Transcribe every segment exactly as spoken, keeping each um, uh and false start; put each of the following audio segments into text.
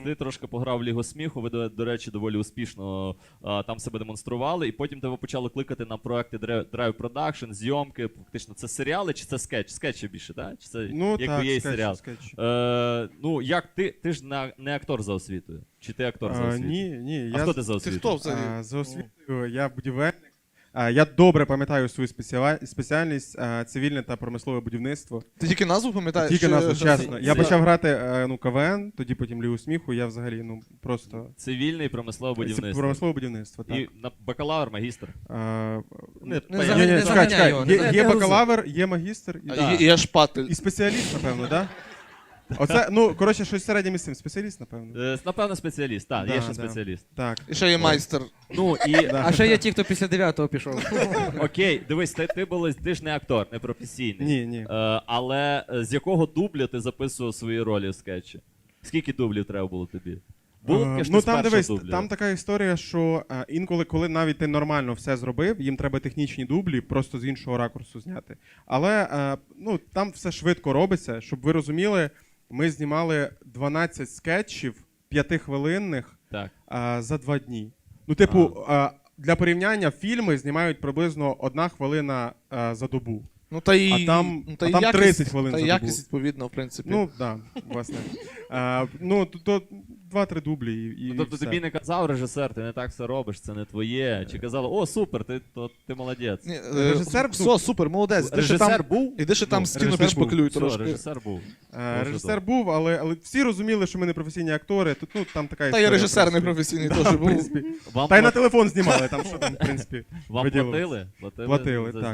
Ти трошки пограв в Лігу сміху, ви, до, до речі, доволі успішно а, там себе демонстрували, і потім тебе почали кликати на проекти Drive Production, зйомки, фактично, це серіали чи це скетч? Скетчі більше, так? Чи це Ну якби так, є скетч, серіал? скетч. Е, ну, як ти, ти ж не, не актор за освітою? Чи ти актор за А, освітою? ні, ні. А я, хто ти за Ти освітою? хто взагалі? а, за освітою я будівельник. А, я добре пам'ятаю свою спеціа- спеціальність а, цивільне та промислове будівництво. Ти тільки назву пам'ятаєш? Тільки чи- назву, що- чесно. Я це- почав грати е, ну, КВН, тоді потім Лігу сміху, я взагалі ну, просто... Цивільне і промислове будівництво. Промислове будівництво, так. І на бакалавр, магістр. А, Не, Не понятно. за- ні, ні, не чекай, заганяй чекай. його, не Є, заганяй. є Не бакалавр, є магістр і, А, Да. є- є шпатель. і спеціаліст, напевно, так? Да? Оце, ну, коротше, щось середнє між цим. Спеціаліст, напевно. Е, Напевно, спеціаліст, так, Да, є ще да. спеціаліст. Так. І ще є майстер. Ну, і, Да. А ще є ті, хто після дев'ятого пішов. окей, дивись, ти, ти, були, ти ж не актор, не професійний. Ні, ні. Е, але е, з якого дубля ти записував свої ролі в скетчі? Скільки дублів треба було тобі? Було таке, Е, що ну ти з там першого дивись, дубля? там така історія, що е, інколи, коли навіть ти нормально все зробив, їм треба технічні дублі, просто з іншого ракурсу зняти. Але е, ну, там все швидко робиться, щоб ви розуміли, ми знімали дванадцять скетчів п'ятихвилинних Так. е, за два дні. Ну, типу, е, для порівняння фільми знімають приблизно одна хвилина е, за добу. Ну та й А там- ну, та а й там якість- тридцять хвилин Та й за якість добу. відповідно, в принципі. Ну, так, да, власне. Е, ну, то, то два-три дублі і, і Ну, тобто все. тобі не казав режисер, ти не так все робиш, це не твоє. Чи казали, о, супер, ти, то, ти молодець. Ні, е, Режисер все, був. супер, молодець. Іди ще Режисер там, був? іди ще там Ну, стіну режисер був. підшпаклюй Все, трошки. режисер був. Е, Дуже Режисер добре. був, але, але всі розуміли, що ми не професійні актори. Тут ну там така Та історія. й режисер просто. непрофесійний Да, теж в був. принципі. Вам, Та й на пла- телефон знімали, там що там, в принципі. вам виділилось. платили? Платили, Платили, за- так.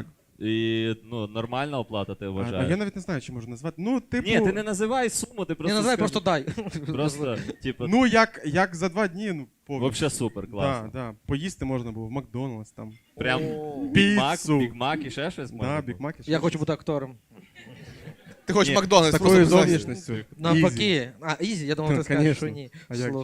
І ну, нормальна оплата, ти А, вважаєш? а я навіть не знаю, чи можна назвати. Ну, типу, Ні, ти не називай суму, ти Не просто називай, скажи. просто дай. Просто, типу, ну як, як за два дні, ну, повністю. вообще супер, класно. Да, да. Поїсти можна було в Макдональдс там. Прям О. Бігмак, Піцу. Бігмак і ще щось можна Да, було? Бік Мак і ще Я щось. хочу бути актором. Ти хочеш Ні, З Макдональдс такою просто зовнішністю. Навпаки. А, ізі, я думав, Ну, ти скажеш, що конечно. ні. А як Слухай.